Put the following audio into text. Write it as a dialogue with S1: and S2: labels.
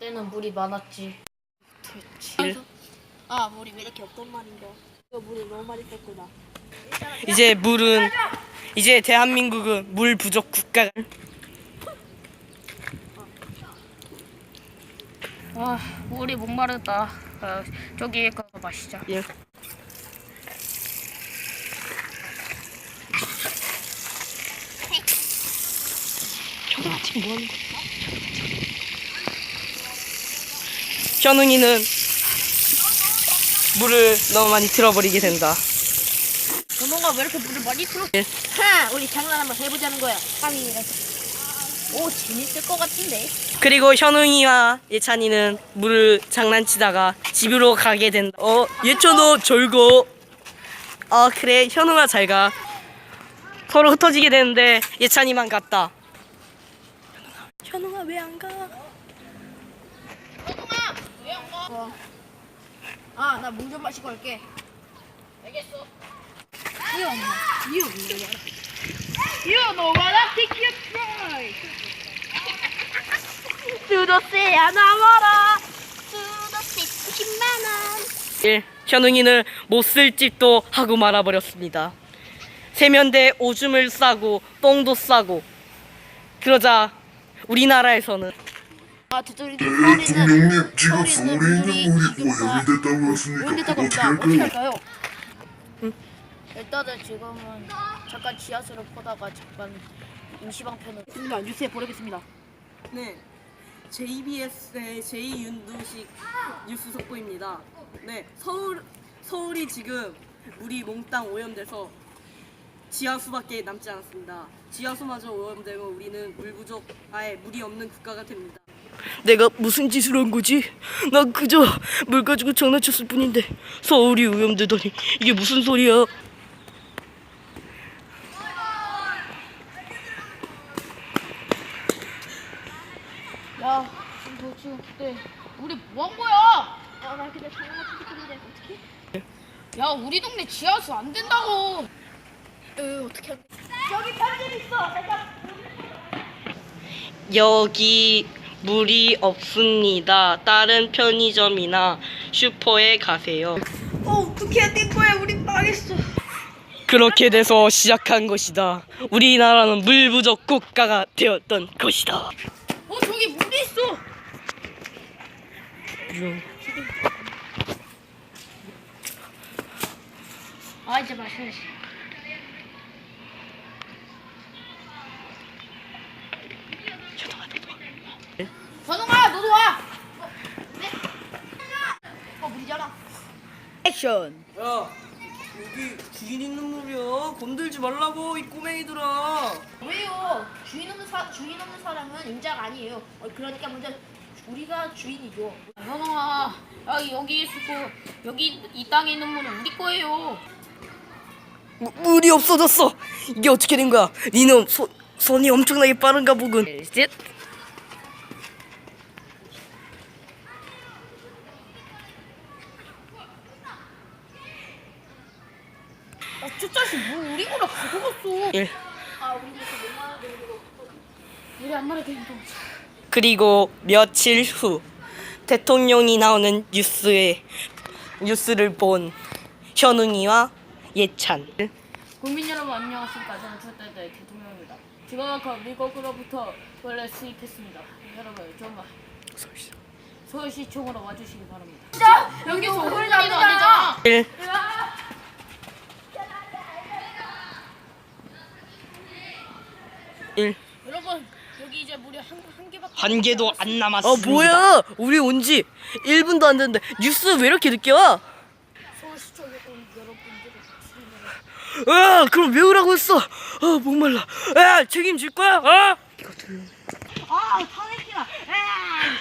S1: 때는 물이 많았지.
S2: 그렇지. 아, 물이 왜 이렇게 없단 말인가. 이거 물이 너무 많이 뺐구나.
S3: 이제 대한민국은 물 부족 국가.
S1: 아, 물이 목마르다. 저기 가서 마시자.
S3: 예.
S2: 지금 뭐 하는 거야?
S3: 현웅이는 물을 너무 많이 틀어버리게 된다.
S1: 너가 왜 이렇게 물을 많이 틀어?
S2: 하! 우리 장난 한번 해보자는 거야. 오, 재밌을 것 같은데.
S3: 그리고 현웅이와 예찬이는 물을 장난치다가 집으로 가게 된다. 예찬아 잘 가. 그래 현웅아 잘 가. 서로 흩어지게 되는데 예찬이만 갔다. 현웅아 왜 안 가?
S2: 아, 나 물 좀 마시고 올게.
S1: 알겠어.
S2: 이거 없나? 이거 없는 거야.
S1: You know what I think you try.
S2: 수도세야 나와라. 수도세 90만 원.
S3: 1. 현웅이는 못 쓸 집도 하고 말아버렸습니다. 세면대 오줌을 싸고 똥도 싸고 그러자 우리나라에서는
S4: 대통령님 지금 서울에 있는 물이 오염됐다고 하십니까?
S2: 오염됐다고
S4: 어떻게
S2: 합니다. 어떻게
S4: 할까요?
S2: 할까요?
S1: 일단은 지금은 잠깐 지하수를 보다가 잠깐 임시방편을.
S2: 있습니다. 뉴스에 보내겠습니다.
S3: 네, JBS의 제이윤두식 뉴스 속보입니다. 네, 서울이 지금 물이 몽땅 오염돼서 지하수밖에 남지 않았습니다. 지하수마저 오염되면 우리는 물 부족, 아예 물이 없는 국가가 됩니다. 내가 무슨 짓을 한 거지? 나 그저 물 가지고 장난쳤을 뿐인데 서울이 오염되다니 이게 무슨 소리야?
S1: 야, 지금 그때 우리 뭐 한 거야?
S2: 아, 나 근데 장난 치즈인데 어떻게?
S1: 야, 우리 동네 지하수 안 된다고.
S2: 어떻게 할까? 여기 편집 있어.
S3: 여기 물이 없습니다. 다른 편의점이나 슈퍼에 가세요.
S2: 어떻게 된 거야? 우리 망했어.
S3: 그렇게 돼서 시작한 것이다. 우리나라는 물 부족 국가가 되었던 것이다.
S1: 저기 물이 있어. 아, 이제 마셔야지. 현웅아, 너도 와.
S2: 물이잖아. 액션.
S3: 야, 여기 주인 있는 물이야. 건들지 말라고 이 꼬맹이들아.
S2: 왜요? 주인 없는 사람은 임자가 아니에요. 그러니까 먼저 우리가 주인이죠.
S1: 현웅아, 야, 여기 있고 여기 이 땅에 있는 물은 우리 거예요.
S3: 물이 없어졌어. 이게 어떻게 된 거야? 니놈 손이 엄청나게 빠른가 보군. 셋.
S1: 저 자식 물 우리 거라 가져갔어.
S3: 1.
S1: 우리 안 말해도 된다.
S3: 그리고 며칠 후 대통령이 나오는 뉴스를 본 현웅이와 예찬.
S1: 국민 여러분 안녕하십니까. 저는 첫달의 대통령입니다. 제가 미국으로부터 원래 수입했습니다. 여러분 정말 서울시청으로 와주시기 바랍니다. 진짜 여기서 홀리도 안 되잖아.
S3: 1.
S1: 여러분 여기 이제 물이 한 개밖에
S3: 한 개도 안 남았습니다. 뭐야? 우리 온지 1분도 안 됐는데 뉴스 왜 이렇게 늦게 와?
S1: 서울시청에 온 여러분들을
S3: 그럼 왜 오라고 했어? 목말라. 책임질 거야?
S2: 아, 타내기라.